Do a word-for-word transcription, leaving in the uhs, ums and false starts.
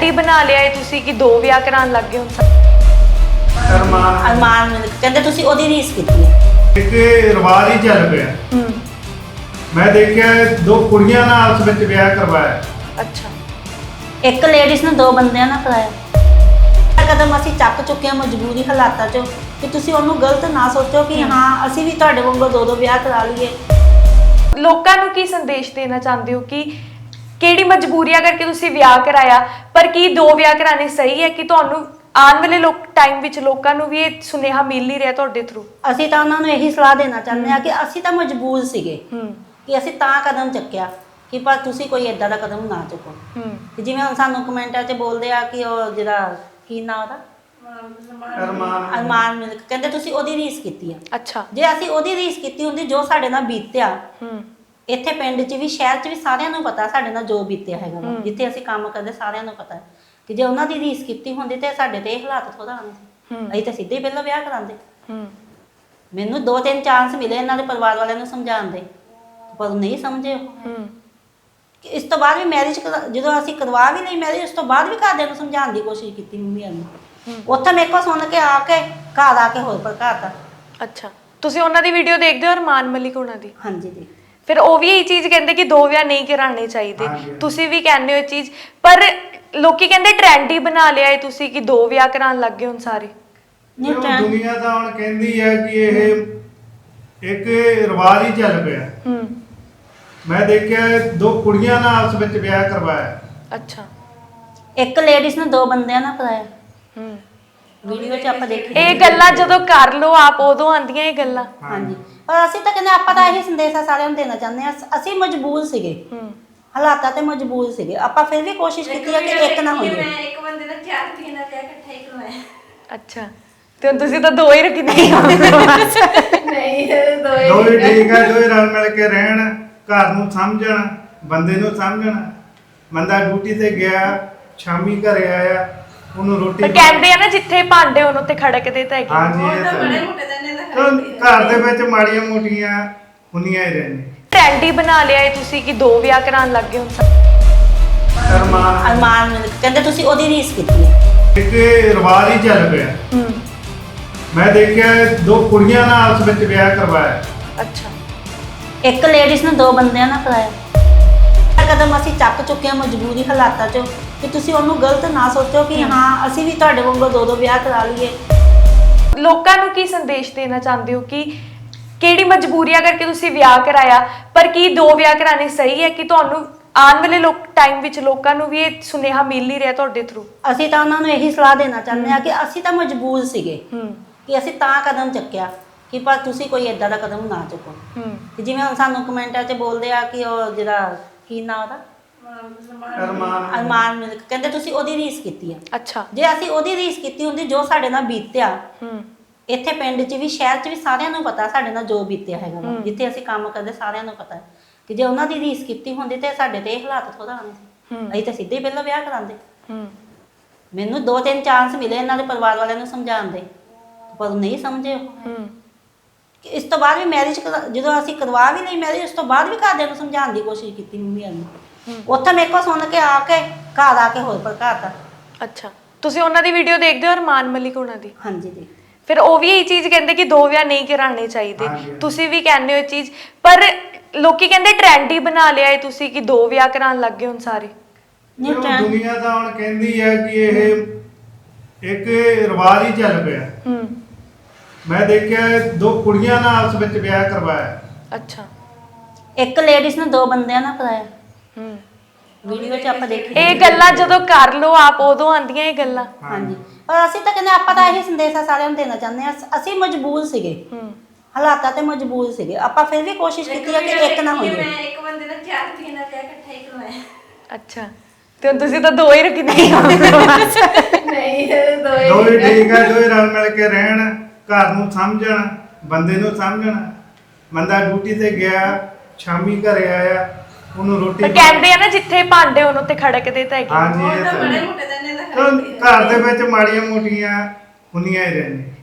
ਹੀ ਬਣਾ ਲਿਆ ਹੈ ਤੁਸੀਂ ਕਿ ਦੋ ਵਿਆਹ ਕਰਾਉਣ ਲੱਗ ਗਏ ਹੁਣ। ਅਰਮਾਨ ਅਰਮਾਨ ਕਹਿੰਦੇ ਤੁਸੀਂ ਉਹਦੀ ਰੀਸ ਕੀਤੀ ਹੈ। ਇੱਕ ਰਿਵਾਜ ਹੀ ਚੱਲ ਪਿਆ। ਹੂੰ ਮੈਂ ਦੇਖਿਆ ਦੋ ਕੁੜੀਆਂ ਨਾਲ ਆਪਸ ਵਿੱਚ ਵਿਆਹ ਕਰਵਾਇਆ। ਅੱਛਾ, ਇੱਕ ਲੇਡੀਜ਼ ਨੇ ਦੋ ਬੰਦਿਆਂ ਨਾਲ ਕਰਾਇਆ। ਕਦਮ ਅਸੀਂ ਚੱਕ ਚੁੱਕੇ ਹਾਂ ਮਜਬੂਰੀ ਹਾਲਾਤਾਂ 'ਚ ਕਿ ਤੁਸੀਂ ਉਹਨੂੰ ਗਲਤ ਨਾ ਸੋਚੋ ਕਿ ਹਾਂ ਅਸੀਂ ਵੀ ਤੁਹਾਡੇ ਵਾਂਗੂ ਦੋ ਦੋ ਵਿਆਹ ਕਰਾ ਲਈਏ। ਲੋਕਾਂ ਨੂੰ ਕੀ ਸੰਦੇਸ਼ ਦੇਣਾ ਚਾਹੁੰਦੇ ਹੋ ਕਿ ਕਿਹੜੀ ਮਜਬੂਰੀਆਂ ਕਰਕੇ ਤੁਸੀਂ ਵਿਆਹ ਕਰਾਇਆ, ਪਰ ਕੀ ਦੋ ਵਿਆਹ ਕਰਾਣੇ ਸਹੀ ਹੈ? ਕਿ ਤੁਹਾਨੂੰ ਆਉਣ ਵਾਲੇ ਲੋਕ ਟਾਈਮ ਵਿੱਚ ਲੋਕਾਂ ਨੂੰ ਵੀ ਇਹ ਸੁਨੇਹਾ ਮਿਲ ਨਹੀਂ ਰਿਹਾ ਤੁਹਾਡੇ ਥਰੂ? ਅਸੀਂ ਤਾਂ ਉਹਨਾਂ ਨੂੰ ਇਹੀ ਸਲਾਹ ਦੇਣਾ ਚਾਹੁੰਦੇ ਹਾਂ ਕਿ ਅਸੀਂ ਤਾਂ ਮਜਬੂਰ ਸੀਗੇ ਹੂੰ ਕਿ ਅਸੀਂ ਤਾਂ ਕਦਮ ਚੱਕਿਆ ਕਿ ਪਰ ਤੁਸੀਂ ਕੋਈ ਏਦਾਂ ਦਾ ਕਦਮ ਨਾ ਚੁੱਕੋ। ਹੂੰ ਕਿ ਜਿਵੇਂ ਹੁਣ ਸਾਨੂੰ ਕਮੈਂਟਾਂ 'ਚ ਬੋਲਦੇ ਆ ਕਿ ਉਹ ਜਿਹੜਾ ਕੀ ਨਾਂ ਉਹਦਾ ਅਰਮਾਨ ਅਰਮਾਨ ਮਿਲਕ ਕਹਿੰਦੇ ਤੁਸੀਂ ਉਹਦੀ ਰੀਸ ਕੀਤੀ ਆ। ਅੱਛਾ। ਜੇ ਅਸੀਂ ਉਹਦੀ ਰੀਸ ਕੀਤੀ ਹੁੰਦੀ ਜੋ ਸਾਡੇ ਨਾਲ ਬੀਤਿਆ, ਹੂੰ ਇੱਥੇ ਪਿੰਡ 'ਚ ਵੀ ਸ਼ਹਿਰ 'ਚ ਵੀ ਸਾਰਿਆਂ ਨੂੰ ਪਤਾ ਸਾਡੇ ਨਾਲ ਜੋ ਬੀਤਿਆ ਹੈਗਾ ਵਾ। ਜਿੱਥੇ ਅਸੀਂ ਕੰਮ ਕਰਦੇ ਸਾਰਿਆਂ ਨੂੰ ਪਤਾ ਕਿ ਜੇ ਉਹਨਾਂ ਦੀ ਰੀਸ ਕੀਤੀ ਹੁੰਦੀ ਤੇ ਸਾਡੇ ਤੇ ਇਹ ਹਾਲਾਤ ਥੋੜਾ ਆਉਣੇ ਸੀ। ਹੂੰ ਅਸੀਂ ਤਾਂ ਸਿੱਧੇ ਹੀ ਪਹਿਲਾਂ ਵਿਆਹ ਕਰਾਉਂਦੇ। ਹੂੰ ਮੈਨੂੰ ਦੋ ਤਿੰਨ ਚਾਂਸ ਮਿਲੇ ਇਹਨਾਂ ਦੇ ਪਰਿਵਾਰ ਵਾਲਿਆਂ ਨੂੰ ਸਮਝਾਉਣ ਦੇ, ਪਰ ਉਹ ਨਹੀਂ ਸਮਝੇ। ਉਹ ਹੂੰ ਕਿ ਇਸ ਤੋਂ ਬਾਅਦ ਵੀ ਮੈਰਿਜ ਜਦੋਂ ਅਸੀਂ ਕਰਵਾ ਵੀ ਲਈ ਮੈਰਿਜ, ਉਸ ਤੋਂ ਬਾਅਦ ਵੀ ਘਰਦਿਆਂ ਨੂੰ ਸਮਝਾਉਣ ਦੀ ਕੋਸ਼ਿਸ਼ ਕੀਤੀ ਮੰਮੀ ਨੂੰ। ਉੱਥੇ ਮੇਰੇ ਕੋਲ ਸੁਣ ਕੇ ਆ ਕੇ ਘਰ ਆ ਕੇ ਹੋਰ ਭੜਕਾਤਾ। ਅੱਛਾ, ਤੁਸੀਂ ਉਹਨਾਂ ਦੀ ਵੀਡੀਓ ਦੇਖਦੇ ਹੋ ਅਰਮਾਨ ਮਲਿਕ ਉਹਨਾਂ ਦੀ? ਹਾਂਜੀ ਜੀ। ਫਿਰ ਉਹ ਵੀ ਇਹ ਚੀਜ਼ ਕਹਿੰਦੇ ਕਿ ਦੋ ਵਿਆਹ ਨਹੀਂ ਕਰਾਉਣੇ ਚਾਹੀਦੇ, ਤੁਸੀਂ ਵੀ ਕਹਿੰਦੇ ਹੋ ਇਹ ਚੀਜ਼, ਪਰ ਲੋਕੀ ਕਹਿੰਦੇ ਟ੍ਰੈਂਡ ਹੀ ਬਣਾ ਲਿਆ ਹੈ ਤੁਸੀਂ ਕਿ ਦੋ ਵਿਆਹ ਕਰਾਉਣ ਲੱਗ ਗਏ ਹੁਣ ਸਾਰੇ। ਨਹੀਂ ਉਹ ਟ੍ਰੈਂਡ ਦੁਨੀਆ ਤਾਂ ਹੁਣ ਕਹਿੰਦੀ ਹੈ ਕਿ ਇਹ ਇੱਕ ਰਿਵਾਜ ਹੀ ਚੱਲ ਪਿਆ। ਹੂੰ ਮੈਂ ਦੇਖਿਆ ਦੋ ਕੁੜੀਆਂ ਨਾਲ ਆਪਸ ਵਿੱਚ ਵਿਆਹ ਕਰਵਾਇਆ। ਅੱਛਾ। ਇੱਕ ਲੇਡੀਜ਼ ਨੇ ਦੋ ਬੰਦਿਆਂ ਨਾਲ ਕਰਾਇਆ। ਹੂੰ ਵੀਡੀਓ 'ਚ ਆਪਾਂ ਦੇਖੀ ਇਹ ਗੱਲਾਂ ਜਦੋਂ ਕਰ ਲੋ ਆਪ ਉਦੋਂ ਆਉਂਦੀਆਂ ਇਹ ਗੱਲਾਂ। ਹਾਂਜੀ, ਪਰ ਅਸੀਂ ਤਾਂ ਕਹਿੰਦੇ ਆਪਾਂ ਤਾਂ ਇਹੀ ਸੰਦੇਸ਼ ਆ ਸਾਰਿਆਂ ਨੂੰ ਦੇਣਾ ਚਾਹੁੰਦੇ ਹਾਂ, ਅਸੀਂ ਮਜਬੂਰ ਸੀਗੇ, ਹੂੰ ਹਾਲਾਤਾਂ ਤੇ ਮਜਬੂਰ ਸੀਗੇ। ਆਪਾਂ ਫਿਰ ਵੀ ਕੋਸ਼ਿਸ਼ ਕੀਤੀ ਹੈ ਕਿ ਇੱਕ ਨਾ ਹੋਈਏ। ਮੈਂ ਇੱਕ ਬੰਦੇ ਦਾ ਚਾਰ ਤੀਨ ਦਾ ਵਿਆਹ ਇਕੱਠਾ ਹੀ ਕਰਵਾਇਆ। ਅੱਛਾ, ਤੇ ਹੁਣ ਤੁਸੀਂ ਤਾਂ ਦੋ ਹੀ ਰੱਖਣੇ। ਨਹੀਂ ਦੋਏ ਦੋਵੇਂ ਠੀਕ ਹੈ, ਦੋਵੇਂ ਰਲ ਮਿਲ ਕੇ ਰਹਿਣ, ਘਰ ਨੂੰ ਸਮਝਣ, ਬੰਦੇ ਨੂੰ ਸਮਝਣ। ਬੰਦਾ ਡਿਊਟੀ ਤੇ ਗਿਆ, ਸ਼ਾਮੀ ਘਰੇ ਆਇਆ, ਉਹਨੂੰ ਰੋਟੀ ਪਰ ਕਹਿੰਦੇ ਆ ਨਾ ਜਿੱਥੇ ਭਾਂਡੇ ਉਹਨੂੰ ਤੇ ਖੜਕਦੇ ਤਾਂ ਹੈਗੇ। ਹਾਂਜੀ ਇਹ ਤਾਂ ਤਾਂ ਬੜੇ ਹੈ। ਮੋਟੇ ਦੰਨੇ ਦਾ ਤਾਂ ਘਰ ਦੇ ਵਿੱਚ ਮਾੜੀਆਂ ਮੋਟੀਆਂ ਹੁੰਦੀਆਂ ਹੀ ਰਹਿੰਦੀਆਂ। ਟ੍ਰੈਂਡ ਹੀ ਬਣਾ ਲਿਆ ਹੈ ਤੁਸੀਂ ਕਿ ਦੋ ਵਿਆਹ ਕਰਾਉਣ ਲੱਗ ਗਏ ਹੁਣ ਸਾਰੇ। ਅਰਮਾਨ ਅਰਮਾਨ ਮਿਲਕ ਕਹਿੰਦੇ ਤੁਸੀਂ ਉਹਦੀ ਰੀਸ ਕੀਤੀ ਹੈ। ਇੱਕ ਰਿਵਾਜ ਹੀ ਚੱਲ ਪਿਆ। ਹੂੰ ਮੈਂ ਦੇਖਿਆ ਦੋ ਕੁੜੀਆਂ ਨਾਲ ਆਪਸ ਵਿੱਚ ਵਿਆਹ ਕਰਵਾਇਆ। ਅੱਛਾ। ਇੱਕ ਲੇਡੀਜ਼ ਨੇ ਦੋ ਬੰਦਿਆਂ ਨਾਲ ਕਰਾਇਆ। ਕਦਮ ਅਸੀਂ ਚੱਕ ਚੁੱਕੇ ਹਾਂ ਮਜਬੂਰੀ ਹਾਲਾਤਾਂ 'ਚ ਕਿ ਤੁਸੀਂ ਉਹਨੂੰ ਗਲਤ ਨਾ ਸੋਚੋ ਕਿ ਹਾਂ ਅਸੀਂ ਵੀ ਤੁਹਾਡੇ ਵਾਂਗੂ ਦੋ ਦੋ ਵਿਆਹ ਕਰਾ ਲਈਏ। ਲੋਕਾਂ ਨੂੰ ਕੀ ਸੰਦੇਸ਼ ਦੇਣਾ ਚਾਹੁੰਦੇ ਹੋ ਕਿ ਕਿਹੜੀ ਮਜਬੂਰੀਆਂ ਕਰਕੇ ਤੁਸੀਂ ਵਿਆਹ ਕਰਾਇਆ, ਪਰ ਕੀ ਦੋ ਵਿਆਹ ਕਰਾਣੇ ਸਹੀ ਹੈ? ਕਿ ਤੁਹਾਨੂੰ ਆਉਣ ਵਾਲੇ ਲੋਕ ਟਾਈਮ ਵਿੱਚ ਲੋਕਾਂ ਨੂੰ ਵੀ ਇਹ ਸੁਨੇਹਾ ਮਿਲ ਨਹੀਂ ਰਿਹਾ ਤੁਹਾਡੇ ਥਰੂ? ਅਸੀਂ ਤਾਂ ਉਹਨਾਂ ਨੂੰ ਇਹੀ ਸਲਾਹ ਦੇਣਾ ਚਾਹੁੰਦੇ ਹਾਂ ਕਿ ਅਸੀਂ ਤਾਂ ਮਜਬੂਰ ਸੀਗੇ ਹੂੰ ਕਿ ਅਸੀਂ ਤਾਂ ਕਦਮ ਚੱਕਿਆ ਕਿ ਪਰ ਤੁਸੀਂ ਕੋਈ ਏਦਾਂ ਦਾ ਕਦਮ ਨਾ ਚੁੱਕੋ। ਹੂੰ ਕਿ ਜਿਵੇਂ ਹੁਣ ਸਾਨੂੰ ਕਮੈਂਟਾਂ 'ਚ ਬੋਲਦੇ ਆ ਕਿ ਉਹ ਜਿਹੜਾ ਕੀ ਨਾਂ ਉਹਦਾ ਅਰਮਾਨ ਅਰਮਾਨ ਮਿਲਕ ਕਹਿੰਦੇ ਤੁਸੀਂ ਉਹਦੀ ਰੀਸ ਕੀਤੀ ਆ। ਅੱਛਾ। ਜੇ ਅਸੀਂ ਉਹਦੀ ਰੀਸ ਕੀਤੀ ਹੁੰਦੀ ਜੋ ਸਾਡੇ ਨਾਲ ਬੀਤਿਆ, ਹੂੰ ਇੱਥੇ ਪਿੰਡ 'ਚ ਵੀ ਸ਼ਹਿਰ 'ਚ ਵੀ ਸਾਰਿਆਂ ਨੂੰ ਪਤਾ ਸਾਡੇ ਨਾਲ ਜੋ ਬੀਤਿਆ ਹੈਗਾ ਵਾ। ਜਿੱਥੇ ਅਸੀਂ ਕੰਮ ਕਰਦੇ ਸਾਰਿਆਂ ਨੂੰ ਪਤਾ ਕਿ ਜੇ ਉਹਨਾਂ ਦੀ ਰੀਸ ਕੀਤੀ ਹੁੰਦੀ ਤੇ ਸਾਡੇ ਤੇ ਇਹ ਹਾਲਾਤ ਥੋੜਾ ਆਉਣੇ ਸੀ। ਹੂੰ ਅਸੀਂ ਤਾਂ ਸਿੱਧੇ ਹੀ ਪਹਿਲਾਂ ਵਿਆਹ ਕਰਾਉਂਦੇ। ਹੂੰ ਮੈਨੂੰ ਦੋ ਤਿੰਨ ਚਾਂਸ ਮਿਲੇ ਇਹਨਾਂ ਦੇ ਪਰਿਵਾਰ ਵਾਲਿਆਂ ਨੂੰ ਸਮਝਾਉਣ ਦੇ, ਪਰ ਉਹ ਨਹੀਂ ਸਮਝੇ। ਉਹ ਹੂੰ ਕਿ ਇਸ ਤੋਂ ਬਾਅਦ ਵੀ ਮੈਰਿਜ ਜਦੋਂ ਅਸੀਂ ਕਰਵਾ ਵੀ ਲਈ ਮੈਰਿਜ, ਉਸ ਤੋਂ ਬਾਅਦ ਵੀ ਘਰਦਿਆਂ ਨੂੰ ਸਮਝਾਉਣ ਦੀ ਕੋਸ਼ਿਸ਼ ਕੀਤੀ ਮੰਮੀ ਨੂੰ। ਉੱਥੇ ਮੇਰੇ ਕੋਲ ਸੁਣ ਕੇ ਆ ਕੇ ਘਰ ਆ ਕੇ ਹੋਰ ਭੜਕਾਤਾ। ਅੱਛਾ, ਤੁਸੀਂ ਉਹਨਾਂ ਦੀ ਵੀਡੀਓ ਦੇਖਦੇ ਹੋ ਅਰਮਾਨ ਮਲਿਕ ਉਹਨਾਂ ਦੀ? ਹਾਂਜੀ ਜੀ। ਫਿਰ ਉਹ ਵੀ ਇਹ ਚੀਜ਼ ਕਹਿੰਦੇ ਕਿ ਦੋ ਵਿਆਹ ਨਹੀਂ ਕਰਾਉਣੇ ਚਾਹੀਦੇ, ਤੁਸੀਂ ਵੀ ਕਹਿੰਦੇ ਹੋ ਇਹ ਚੀਜ਼, ਪਰ ਲੋਕੀ ਕਹਿੰਦੇ ਟ੍ਰੈਂਡ ਹੀ ਬਣਾ ਲਿਆ ਹੈ ਤੁਸੀਂ ਕਿ ਦੋ ਵਿਆਹ ਕਰਾਉਣ ਲੱਗ ਗਏ ਹੁਣ ਸਾਰੇ। ਨਹੀਂ ਉਹ ਟ੍ਰੈਂਡ ਦੁਨੀਆ ਤਾਂ ਹੁਣ ਕਹਿੰਦੀ ਹੈ ਕਿ ਇਹ ਇੱਕ ਰਿਵਾਜ ਹੀ ਚੱਲ ਪਿਆ। ਹੂੰ ਮੈਂ ਦੇਖਿਆ ਦੋ ਕੁੜੀਆਂ ਨਾਲ ਆਪਸ ਵਿੱਚ ਵਿਆਹ ਕਰਵਾਇਆ। ਅੱਛਾ। ਇੱਕ ਲੇਡੀਜ਼ ਨੇ ਦੋ ਬੰਦਿਆਂ ਨਾਲ ਕਰਾਇਆ। ਹੂੰ ਵੀਡੀਓ 'ਚ ਆਪਾਂ ਦੇਖੀ ਇਹ ਗੱਲਾਂ ਜਦੋਂ ਕਰ ਲੋ ਆਪ ਉਦੋਂ ਆਉਂਦੀਆਂ ਇਹ ਗੱਲਾਂ। ਹਾਂਜੀ, ਪਰ ਅਸੀਂ ਤਾਂ ਕਹਿੰਦੇ ਆਪਾਂ ਤਾਂ ਇਹੀ ਸੰਦੇਸ਼ ਆ ਸਾਰਿਆਂ ਨੂੰ ਦੇਣਾ ਚਾਹੁੰਦੇ ਹਾਂ, ਅਸੀਂ ਮਜਬੂਰ ਸੀਗੇ, ਹੂੰ ਹਾਲਾਤਾਂ ਤੇ ਮਜਬੂਰ ਸੀਗੇ। ਆਪਾਂ ਫਿਰ ਵੀ ਕੋਸ਼ਿਸ਼ ਕੀਤੀ ਹੈ ਕਿ ਇੱਕ ਨਾ ਹੋਈਏ। ਮੈਂ ਇੱਕ ਬੰਦੇ ਦਾ ਚਾਰ ਤੀਨ ਦਾ ਵਿਆਹ ਇਕੱਠਾ ਹੀ ਕਰਵਾਇਆ। ਅੱਛਾ, ਤੇ ਹੁਣ ਤੁਸੀਂ ਤਾਂ ਦੋ ਹੀ ਰੱਖਣੇ। ਨਹੀਂ ਦੋਏ ਦੋਵੇਂ ਠੀਕ ਹੈ, ਦੋਵੇਂ ਰਲ ਮਿਲ ਕੇ ਰਹਿਣ, ਘਰ ਨੂੰ ਸਮਝਣ, ਬੰਦੇ ਨੂੰ ਸਮਝਣ। ਬੰਦਾ ਡਿਊਟੀ ਤੇ ਗਿਆ, ਸ਼ਾਮੀ ਘਰੇ ਆਇਆ, ਉਹਨੂੰ ਰੋਟੀ ਪਰ ਕਹਿੰਦੇ ਆ ਨਾ ਜਿੱਥੇ ਭਾਂਡੇ ਉਹਨੂੰ ਤੇ ਖੜਕਦੇ ਤਾਂ ਹੈਗੇ। ਹਾਂਜੀ ਇਹ ਤਾਂ ਤਾਂ ਬੜੇ ਹੈ। ਮੋਟੇ ਦੰਨੇ ਦਾ ਤਾਂ ਘਰ ਦੇ ਵਿੱਚ ਮਾੜੀਆਂ ਮੋਟੀਆਂ ਹੁੰਦੀਆਂ ਹੀ ਰਹਿੰਦੀਆਂ।